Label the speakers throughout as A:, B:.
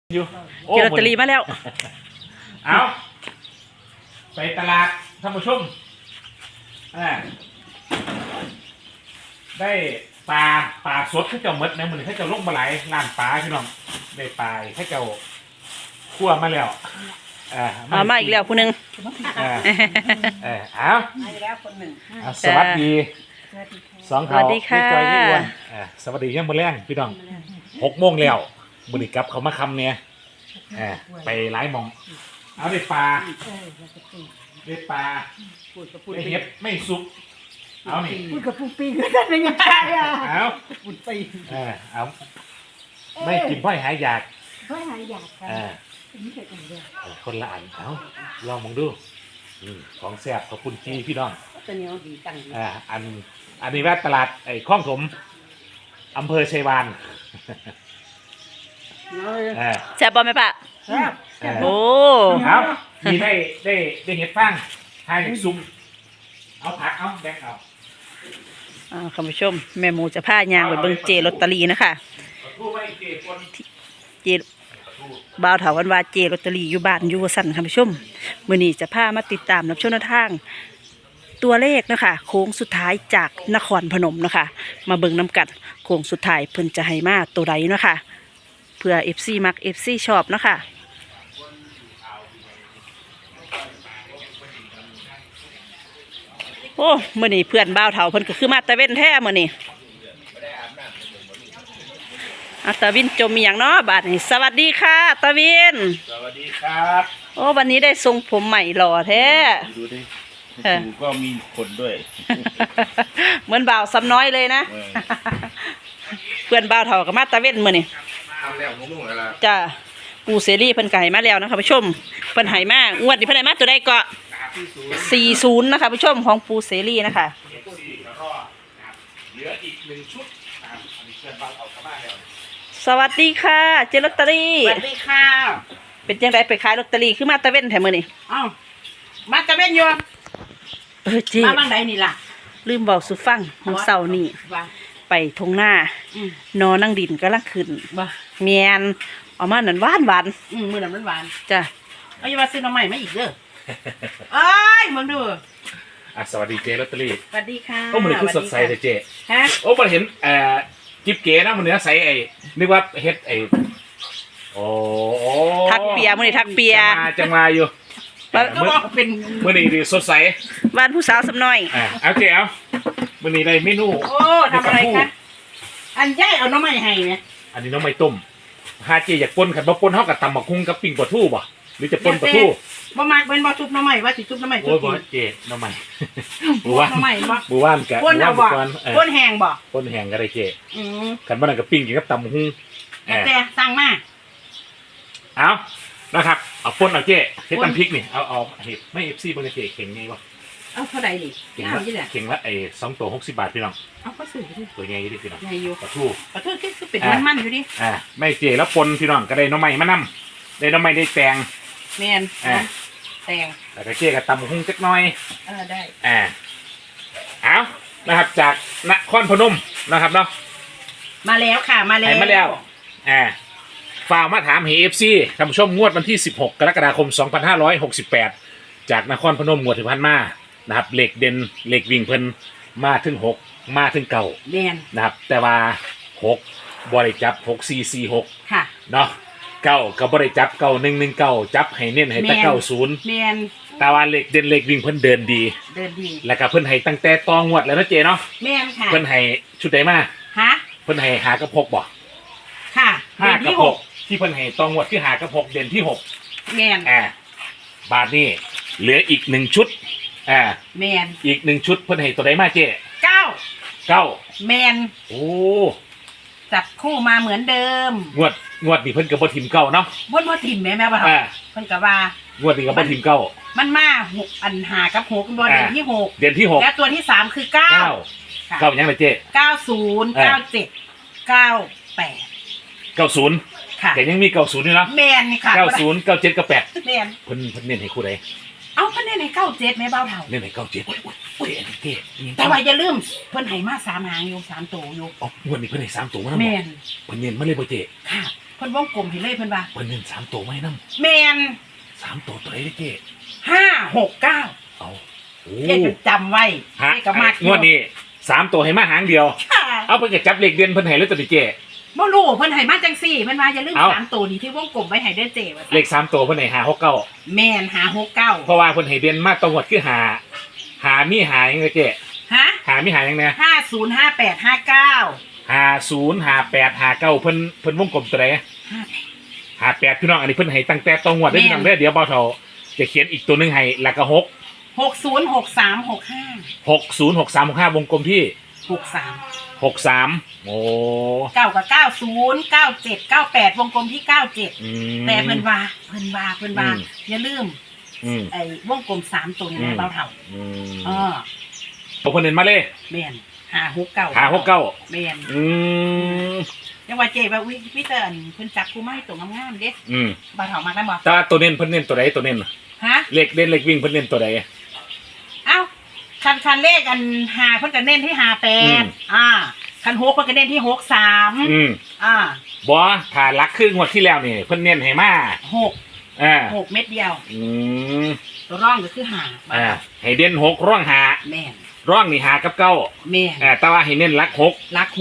A: อยู่
B: เจอลอตเตอรี่มาแล้ว
A: เอาไปตลาดท่านผู้ชมได้ปลาสดข้าเจ้าเมดนะมันข้าเจ้าลงมาหลายร้านปลาพี่น้องได้ปลาข้าเจ้าคั่วมาแล้ว
B: มาอีกแล้วผู้หนึ่ง
A: เอา
C: แล้วคนหนึ่ง
A: สวัสดีสองเขา
B: พี่จอยพี่อ้วน
A: สวัสดียังมื้อแรงพี่น้อง6 โมงแล้วมื้อนี้กลับเขามาคำเนี่ยไปหลายหม่องเอาได้ปลาได้ปลาได้เห็ดไม่สุกเอานี่
C: พูดกับปูปีก็ได้ยังไง
A: เอา
C: ปูปี
A: เอาไม่กินพ่อยหายอยาก
C: พ่อยหายอยากกันนี่เกิดอะไร
A: คนละอันเอาลองมองดูของแซ่บขอบคุณจีพี่น้อง
C: ตัวนี้ดีจัง
A: อันนี้แวะตลาดไอ้คลองถมอำเภอชัยวาน
B: แซ่บบ่ไหมปะโอ้
A: ครับมีได้เห็ดฟางทายเห็ดซุ่มเอาผักเอาแบกเอา
B: คุณผู้ชมแม่หมูจะพายางไปเบิ่งเจลอตเตอรี่นะคะเจบ่าวเถาวันว่าเจลอตเตอรี่อยู่บ้านอยู่สั่นคุณผู้ชมมื้อนี้จะพามาติดตามรับชมแนวทางตัวเลขนะคะโค้งสุดท้ายจากนครพนมนะคะมาเบิ่งน้ำกัดโค้งสุดท้ายเพิ่นจะให้มาตัวใดนะคะเพื่อ FC มัก FC ชอบนะคะโอ้มื้อนี้เพื่อนบ่าวเฒ่าเพิ่นก็คือมาตะเว้นแท้มื้อนี้ตะวินจมมีอย่างเนาะบาดนี้สวัสดีค่ะตะวิน
A: สวัสดีครับ
B: โอ้วันนี้ได้ทรงผมใหม่หล่อแท้
A: ดูดิก็มีขนด้วย
B: เหมือนบ่าวซ้ำน้อยเลยนะเพื่อนบ่าวเฒ่าก็มาตะเว้นมื้อนี้จ้าปูเสรีเพิ่นก็ให้มาแล้วนะคะผู้ชมเพิ่นให้มางวดนี้เพิ่นให้มาตัวใดก็40นะคะผู้ชมของปูเสรีนะคะ
A: เหลืออีก1 ชุดนะครับอันนี้เพื่อนบ่าวเอาเข้ามาแล้ว
B: สวัสดีค่ะเจลอตเตอรี่
C: สวัสดีค่ะ
B: เป็นจังไดไปขายลอตเตอรี่คือมาตะเว้นแถมมื้อนี้
C: อ้าวมาตะเว้นอยู่
B: เจ๊
C: มาบ้างใดนี่ล่ะ
B: ลืมบอกสุฟังของเสาร์นี่ไปทงหน้านอนั่งดินก็ลังขึ้นเมียนเอามาหนันหวาน
C: มือหนันหวาน
B: จ้ะ
C: เอาอย่ามาซื้อน้ำใหม่มาอีกเด้อเอ้ยมึงดู
A: สวัสดีเจลอตเตอรี่
C: สวัสดีค่ะ
A: โอ้มันคือสดใสเลยเจ
C: ฮะ
A: โอ้มันเห็นจิ๊บเก๋นะมันเนื้อใสนึกว่าเฮ็ดโอ้
B: ทักเปียมื้อนี้ทักเปีย
A: จังมาอยู่
C: เป็น
A: มื้อนี้ดีสดใส
B: บ้านผู้สาวสำน้อย
A: เอาเจเอามื้อนี้ได้เมนู
C: โอ้ทำอะไรคะอันใหญ่เอาน้ำใหม่ให้ไหม
A: อันนี้น้องไม่ต้มฮาเจอยากป่นขันบ่ป่นเฮากับตำบักหุ่งกับปิ้งปลาทูบ่หรือจะป่นปลาทู
C: บ่มากเป็นบ่ทุบน้ำใหม่ว่าสิทุบน้ำใหม่ทุบกิน
A: เจน้ำใหม่บูว่าน
C: น้ำใหม่บ่
A: บูว่านกะ
C: ป่นเอาบ่ป่นแห้งบ่
A: ป่นแห้งก็ได้เจขันบ่นั่นกับปิ้งกินกับตำบักหุ่ง
C: แต่สั่งมา
A: เอานะครับเอาป่นเอาเจเฮ็ดตำพริกนี่เอาเฮ็ดไม่ FC บ่ได้เจเข่งไงบ่
C: เอาเท่าใดนี่
A: เข่งละ2 ตัว60 บาทพี่น้อง
C: เอาก็ซื้อดิ
A: ตัวใหญ่ดิพี่น้อง
C: ใหญ่อยู่
A: ปลาทู
C: คือเป็ดมันอยู่ดิ
A: ไม่เจแล้วปนพี่น้องก็ได้น้ำใหม่มานำได้น้ำใหม่ได้แตง
C: แมนแตง
A: แล้วก็เจกับตำหุ่งจักหน่อย
C: ได้
A: เอานะครับจากนครพนมนะครับเนาะ
C: มาแล้วค่ะมา
A: แล้วฝากมาถามFC ท่านผู้ชมงวดวันที่16 กรกฎาคม 2568จากนครพนมงวดที่ผ่านมานะครับเหล็กเด่นเหล็กวิ่งเพิ่นมาถึง6มาถึง9
C: แมน
A: นะครับแต่ว่า6บริจับ6446
C: ค่ะ
A: เนาะ9ก็บริจับ9119จับให้เน้นให้แต่90
C: แมน
A: แต่ว่าเหล็กเด่นเหล็กวิ่งเพิ่นเดินดีแล้วก็เพิ่นให้ตั้งแต่ตองวดแล้วนะเจเนาะ
C: แมนค่ะ
A: เพิ่นให้ชุดใดมา
C: ฮะ
A: เพิ่นให้5 กับ 6บ่
C: ค่ะ
A: 5 กับ 6ที่เพิ่นให้ตองวดที่5 กับ 6เด่นที่6
C: แมน
A: บาทนี้เหลืออีก1 ชุด
C: แมน
A: อีก1 ชุดเพิ่นให้ตัวใดมาเจ9
C: แมน
A: โอ้
C: จับคู่มาเหมือนเดิม
A: งวดนี่เพิ่นก็บ่ทิ่ม9เนาะ
C: บ่ทิ่มแม่บ่ทำเพิ่นก็ว่
A: างวดนี้ก็บ่ทิ่ม9
C: มันมา6อัน5 กับ 6บ่เด่นที่6
A: เด่นที่6
C: แล้วตัวที่3คือ9
A: 9ยังไงเจ
C: 90 97 98
A: 90ค่ะแต่ยังมี90อยู่เนาะ
C: แม่นนี่ค่ะ
A: 90 97 98
C: แม่น
A: เพิ่นเน้นให้คู่ใด
C: เอาเพิ่นเน้นให้97แม่เบาเฒ่า
A: เน้นให้97โอ้ยเจ๊
C: แต่ว่าอย่าลืมเพิ่นให้มา3 หางอยู่3 ตัวอยู่
A: อ๋องวดนี้เพิ่นให้3 ตัวมา
C: แม่น
A: เพิ่นเน้นมาเลยบ่เจ๊
C: ค่ะพิ่นวงกลมเห็นเลยเพิ่นว่า
A: เพิ่นเน้น3ตัวไว้นำ
C: แมน
A: 3ตัวตัวไหนเด้เจ๊
C: 569
A: เอาโอ้
C: เจ๊จะจำไว้
A: ฮะ
C: เจ๊ก็มาก
A: งวดนี้3ตัวให้มาหางเดียว
C: ค่ะ
A: เอาเพิ่นก็จับเลขเด่นเพิ่นให้เลยตัวนี้เจ๊
C: บ่รู้เพิ่นให้มาจังซี่เพิ่นว่าอย่าลืม
A: เอ้า
C: 3ตัวนี้ที่วงกลมไว้ให้เด้อเจ๊ว่า
A: เลข3ตัวเพิ่นให้569
C: แม่น569
A: เพราะว่าเพิ่นให้เด่นมาตรงหมดคือหามีหายังไงเจ๊
C: ฮะ
A: หามีหายังไง
C: 505859
A: 505859เพิ่นวงกลมตัวไหน58พี่น้องอันนี้เพิ่นให้ตั้งแต่ตรงหมดได้อพี่น้องเด้อเดี๋ยวเบาเฒ่าจะเขียนอีกตัวหนึงให้แล้วก็
C: 606365
A: 606365วงกลมที่
C: 63
A: 63โอ้
C: 9กับ90 97 98วงกลมที่97
A: อืม
C: แต่เพิ่นว่า
A: อืม
C: อย่าลืม
A: อืม
C: ไอ้วงกลม3ตัวนี้
A: อืม
C: นะเบาเท่า
A: อืม
C: อ๋อ
A: เอาเพิ่นเน้นมาเลย
C: แม่น569
A: 569
C: แม่น
A: อืม
C: จังว่าเจ๊ว่าวิเตอร์อันเพิ่นจับกูมาให้ตัวงามๆเด้
A: อืม
C: บ่าวเฒ่ามาได้บ่
A: แต่ว่าตัวเน้นเพิ่นเน้นตัวใดตัวเน้น
C: ฮะ
A: เลขเด่นเลขวิ่งเพิ่นเน้นตัวใด
C: เอ้าคันเลขอัน5เพิ่นก็เน้นที่
A: อืม
C: 58คัน6เพิ่นก็เน้นที่63
A: อืม บ่ถ้าลักครึ่งงวดที่แล้วนี่เพิ่นเน้นให้มา
C: 6เม็ดเดียว
A: อืม
C: ตัวร่องก็คือ5
A: ให้เด่น6ร่องหา
C: แม่น
A: ร่องนี่หากับเก้า
C: แม่น
A: แต่ว่าให้เน้นลัก6
C: ลัก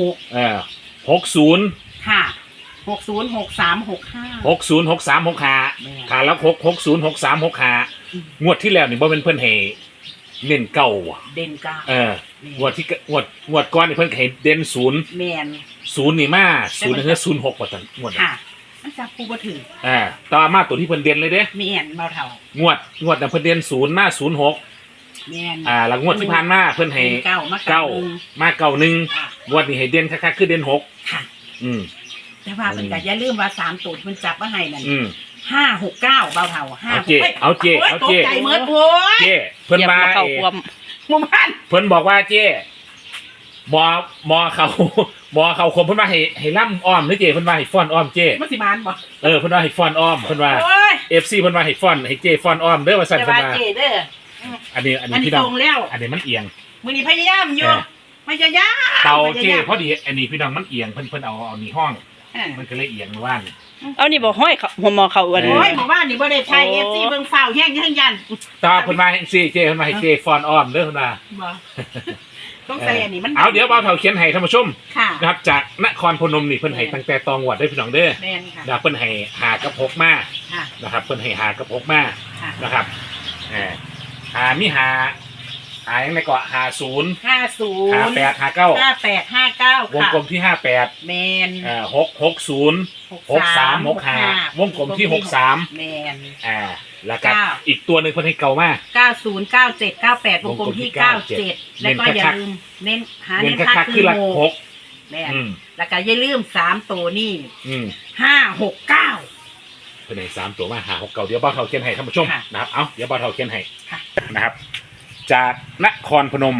A: 60
C: ค่ะ60 63 65
A: 60 63 65ถ้าลัก6 60 63 65งวดที่แล้วนี่บ่เป็นเพิ่นให้เน้นเก้าว่ะ
C: เด่นกลาง
A: งวดที่งวดก่อนนี่เพิ่นให้เด่น0
C: แม่น
A: 0นี่มา0นี่คือ06ว่าซั่นงวดนั้น
C: ค่ะมันจับกูบ่ถึง
A: แต่ว่ามาตัวที่เพิ่นเด่นเลยเด้
C: แม่นเบาเฒ่าง
A: วดนั้นเพิ่นเด่น0มา06
C: แม่น
A: แล้วงวดที่ผ่านมาเพิ่นให้
C: เก้ามา
A: เก้ามาเก้าหนึ่ง
C: อ่ะ
A: งวดนี้ให้เด่นคักๆคือเด่น6
C: ค่ะ
A: อืม
C: แต่ว่ามันก็อย่าลืมว่า3ตัวที่มันจับมาให้นั่น
A: อืม
C: 569เบาเฒ่า5
A: เอาเจ๊เอาเจ๊
C: โย
A: เอาเจ๊
C: ตกใจเหมือนโว้ย
A: เจ้เพิ่น
B: เหยียบ
A: มา
B: มาเข้าควม
C: หมู่บ้าน
A: เพิ่นบอกว่าเจ้หมอเขาคมเพิ่นว่าให้ล่ำอ้อมหรือเจ้เพิ่นว่าให้ฟ้อนอ้อมเจ้
C: มันสิมานบ่
A: เพิ่นว่าให้ฟ้อนอ้อมเพิ่นว่า
C: โอ้ย
A: FC เพิ่นว่าให้ฟ้อนให้เจ้ฟ้อนอ้อมเด้อว่าซั่น
C: แต่
A: เพิ่น
C: ว่า
A: ว่า
C: เจเด้อ
A: อันนี้
C: อัน
A: พี่
C: นี้
A: น้
C: ต
A: อ
C: รง งแล้ว
A: อันนี้มันเอียง
C: มื้อนี้พยายามอยู่
A: เออ
C: พยายาม
A: เตาเจ้
C: พยยม
A: พอดีอันนี้พี่น้องมันเอียงเพิ่นเอานี่ห้อง มันก็เลยเอียงเมื่อวาน
B: เอานี่บอกห้อยเขาหัวหมอเขาอ้วน
C: โอ้ยหมู่บ้านนี่บ่ได้ใช้
B: โอ้
C: FC เบิ่งฟ้าวแห้งยัน
A: ตาเพิ่นมาให้เจ้เพิ่นมาให้เจ้ฟ้อนอ้อมเด้อเพิ่นว่า
C: บ่ต้องใส่อันนี้มัน
A: เอาเดี๋ยวบ่าวเฒ่าเขียนให้ท่านผู้ชม
C: ค่ะ
A: นะครับจากนครพนมนี่เพิ่นให้ตั้งแต่ตองวดได้พี่น้องเด้อ
C: แม่นค่ะ
A: นะครับเพิ่นให้หากับ6มา
C: ค่ะ
A: นะครับเพิ่นให้หากับ6มา
C: ค่ะ
A: นะครับมีหายังไงก็หา0
C: 50
A: หา8หา9
C: 5859
A: วง
C: ค่ะ
A: กลมที่58
C: แมน
A: 660 63 65วงกลมที่63
C: แมน
A: แล้วก็
C: เก้า
A: อีกตัวหนึงเพิ่นให้เก่ามาก
C: 90 97 98วงกลมที่ 97 แล้วก็อย่าลืมเน้นหา
A: เน้
C: เน้
A: น
C: น
A: คั
C: ค่าก
A: ๆ
C: คื
A: คือ
C: อ
A: หลัก
C: โม
A: 6
C: แม่น
A: อืม
C: แล้วก็อย่าลืม3ตัวนี่
A: อืม
C: 569
A: เพิ่นให้3ตัวมาหา6เก่าเดี๋ยวบ่าวเฒ่าเขียนให้ท่านผู้ชม
C: ค่ะ
A: นะครับเดี๋ยวบ่าวเฒ่าเขียนให้
C: ค่ะ
A: นะครับ จากนครพนม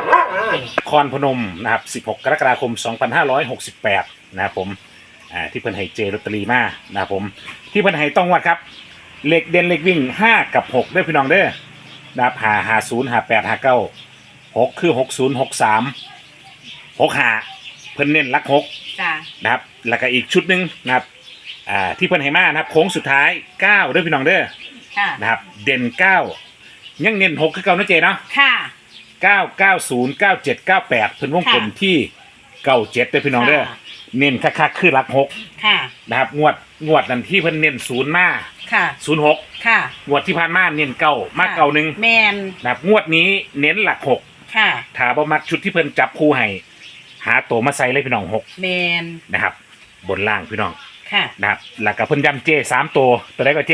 A: นะครับ 16 กรกฎาคม 2568 นะครับผมที่เพิ่นให้เจลอตเตอรี่มานะครับผมที่เพิ่นให้ต้องวัดครับเลขเด่นเลขวิ่ง5กับ6ด้วยพี่น้องเด้อนะครับ50 58 59 6คือ60 63 65เพิ่นเน้นหลัก6
C: จ้า
A: นะครับแล้วก็อีกชุดหนึงนะครับที่เพิ่นให้มานะครับโค้งสุดท้าย9ด้วยพี่น้องเด้อ
C: ค่ะ
A: นะครับเด่น9ยังเน้น6คือเก่านะเจเนาะ
C: ค่ะ
A: 990 97 98เพิ่นวงกลมที่97เด้อพี่น้องเด้อ
C: ค่ะ
A: เน้นคักๆคือหลัก6
C: ค่ะ
A: นะครับงวดนั้นที่เพิ่นเน้น0มา
C: ค่ะ
A: 06
C: ค่ะ
A: งวดที่ผ่านมาเน้นเก้ามาเก่าหนึง
C: แมน
A: นะครับงวดนี้เน้นหลัก6
C: ค่ะ
A: ถ้าบ่มักชุดที่เพิ่นจับคู่ให้หาตัวมาใส่เลยพี่น้อง6
C: แมน
A: นะครับบนล่างพี่น้อง
C: ค่ะ
A: นะครับแล้วก็เพิ่นย้ำเจ3ตัวได้ก็เจ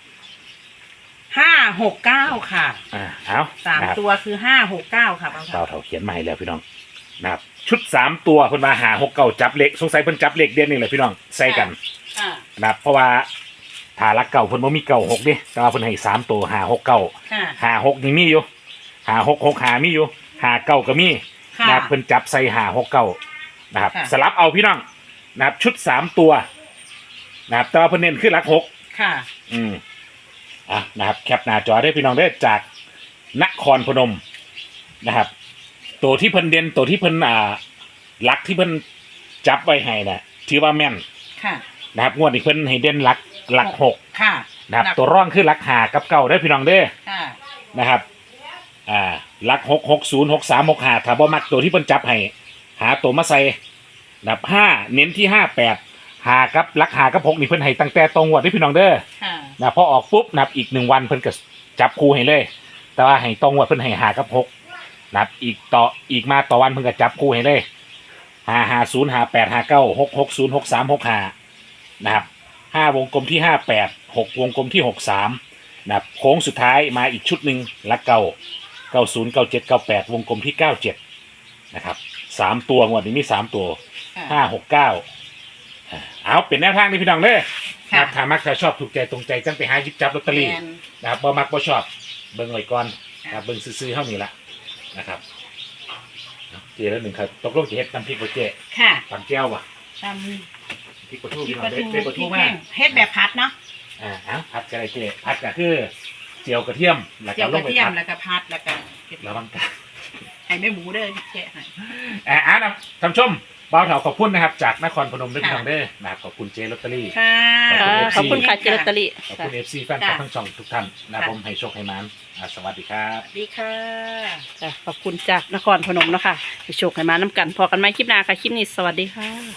C: 569 ค่ะ
A: เอา
C: 3 ตัวคือ 569 ค่ะบาง
A: เราเถาเขียนมาให้แล้วพี่น้องนะครับชุด3ตัวเพิ่นมาหา6เก่าจับเลขสงสัยเพิ่นจับเลขเด่นนี่แหละพี่น้องใส่กัน
C: ค่ะ
A: นะครับเพราะว่าถ้ารักเก่าเพิ่นบ่มีเก่า6เด้แต่ว่าเพิ่นให้3ตัวหา6เก่า
C: ค่ะ
A: หา6นี่มีอยู่หา6 6หามีอยู่หาเก่าก็มี
C: ค่ะ
A: นะครับเพิ่นจับใส่หา6เก่านะครับ
C: ค่ะ
A: สลับเอาพี่น้องนะครับชุด3ตัวนะครับแต่ว่าเพิ่นเน้นคือหลัก6
C: ค่ะ
A: นะครับแคปหน้าจอได้พี่น้องได้จากนครพนมนะครับตัวที่เพิ่นเด่นตัวที่เพิ่นหลักที่เพิ่นจับไว้ให้น่ะถือว่าแม่น
C: ค่ะ
A: นะครับงวดนี้เพิ่นให้เด่นหลักหก
C: ค่ะ
A: นะครับตัวร่องคือหลักหากับเก่าได้อพี่น้องเด้อ
C: ค่ะ
A: นะครับหลัก6 60 63 65ถ้าบ่มักตัวที่เพิ่นจับให้หาตัวมาใส่นะครับ5เน้นที่58หากับหลักหากับ6นี่เพิ่นให้ตั้งแต่ตรงงวดได้อพี่น้องเด้อ
C: ค่ะ
A: นะพอออกปุ๊บนะครับอีก1วันเพิ่นก็จับคู่ให้เลย แต่ว่าให้ตรงงวดเพิ่นให้หากับ6นะครับอีกมาต่อวันเพิ่นก็จับคู่ให้เลย550 58 59 660 63 65นะครับ5วงกลมที่58 6วงกลมที่63นะครับโค้งสุดท้ายมาอีกชุดหนึ่งลักเก่า90 97 98วงกลมที่97นะครับ3ตัวงวดนี้มี3ตัว5 6 9เอาเป็นแนวทางนี้พี่น้องเด้อนะครับถ้ามักถ้าชอบถูกใจตรงใจจังไปหาหยิบจับลอตเตอรี่นะครับบ่มักบ่ชอบเบิ่งไว้ก่อนนะครับเบิ่งซื้อๆเท่านี้ละนะครับเจแล้วหนึ่งครับตกลงจะเฮ็ดน้ำพริกบ่เจ
C: ค่ะ
A: ปั่นแก้วบ่
C: ท
A: พริกปลาทู
C: ำพริ
A: พี่
C: ก
A: น้อ
C: ป
A: ง
C: ลา
A: เด้
C: ทู
A: เฮ็ดปลา
C: พริ
A: ทู
C: ก
A: มา
C: แห้งเฮ็ดแบบผัดเนาะ
A: ผัดก็ได้เจผัดก็คือเจียวกระเทียมแล้ว
C: เจี
A: ก็
C: ยว
A: ล
C: ก
A: ง
C: ระ
A: ไป
C: เทียม
A: ผัด
C: แล้วก็ผัดแล้วก็
A: ระวังกัน
C: ให้แม่หมูเด้อแกะให้
A: นะท่านผู้ชมบ่าวเถาขอบคุณนะครับจากนครพนมด้วยพี่น้องเด้อนะครับขอบคุณเจลอตเตอรี่
C: ค่ะ
B: ขอบคุณค่ะเจลอตเตอรี่
A: ขอบคุณ FC แฟนคลับทั้งช่องทุกท่านนะครับผมให้โชคให้มานสวัสดีครับ
C: สวัสดีค่ะ
B: ขอบคุณจากนครพนมเนาะค่ะไปโชคให้มาน้ำกันพอกันไหมคลิปหน้าค่ะคลิปนี้สวัสดีค่ะ